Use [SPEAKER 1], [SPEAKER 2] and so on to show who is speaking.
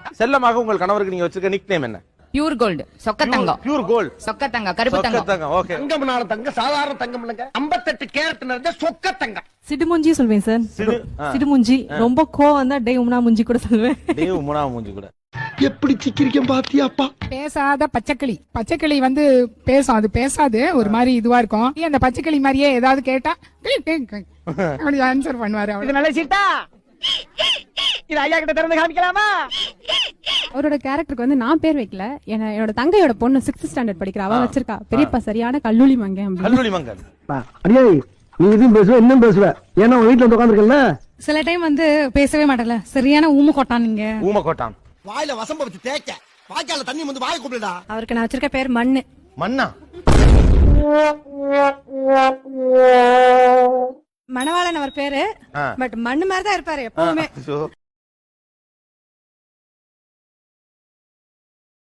[SPEAKER 1] செல்லமாக உங்கள் கணவருக்கு நீங்க வச்சிருக்க நிக் நேம் என்ன?
[SPEAKER 2] பியூர் கோல்டு, சொக்க தங்கம்.
[SPEAKER 1] பியூர் கோல்ட்,
[SPEAKER 2] சொக்க தங்கம், கருப்பு தங்கம்.
[SPEAKER 1] ஓகே.
[SPEAKER 3] தங்கம்னால தங்கம் சாதாரண தங்கம் இல்லங்க, 58 கேரட் நிறைஞ்ச சொக்க தங்கம்.
[SPEAKER 4] சிடுமுஞ்சி சொல்வேன் சார். சிடுமுஞ்சி ரொம்ப கோவம் தான் டே உம்னா முஞ்சி கூட சொல்வேன்.
[SPEAKER 1] டே உம்னா முஞ்சி கூட.
[SPEAKER 3] எப்படி சிக்கிரிக்கம் பாத்தியாப்பா?
[SPEAKER 5] பேசாத பச்சைக்கிளி. பச்சைக்கிளி வந்து பேசும், அது பேசாது, ஒரு மாதிரி இதுவா இருக்கும். அந்த பச்சைக்கிளி மாதிரியே ஏதாவது கேட்டா அப்படி ஆன்சர் பண்ணுவாரு.
[SPEAKER 3] இது நல்ல சீட்டா. இது ஐயா கிட்ட திறந்து காமிக்கலாமா?
[SPEAKER 4] அவரோட கேரக்டருக்கு வந்து நான் பேர் வைக்கல, என்னோட தங்கையோட பொண்ணு 6th ஸ்டாண்டர்ட் படிக்கிறா, அவ வச்சிருக்கா. பெரியப்பா சரியான கல்லூலி மங்கன்.
[SPEAKER 1] கல்லூலி மங்கன்.
[SPEAKER 3] அடியே நீ இதுவும் பேசுவ இன்னும் பேசுவ, ஏன்னா உங்க வீட்டுல வந்து உட்காந்துருக்கல.
[SPEAKER 4] சில டைம் வந்து பேசவே மாட்டல, சரியான ஊம கொட்டான். நீங்க
[SPEAKER 1] ஊம கொட்டான்.
[SPEAKER 3] வாயில வசம்ப வச்சு தேய்க்க, வாய்க்கால தண்ணி வந்து வாயை கூப்பிடுடா.
[SPEAKER 4] அவருக்கு நான் வச்சிருக்க பேர் மண்ணு.
[SPEAKER 1] மண்ணா?
[SPEAKER 4] மணவாளன் அவர் பேரு. பட் மண்ணு மாதிரி தான் இருப்பாரு எப்பவுமே.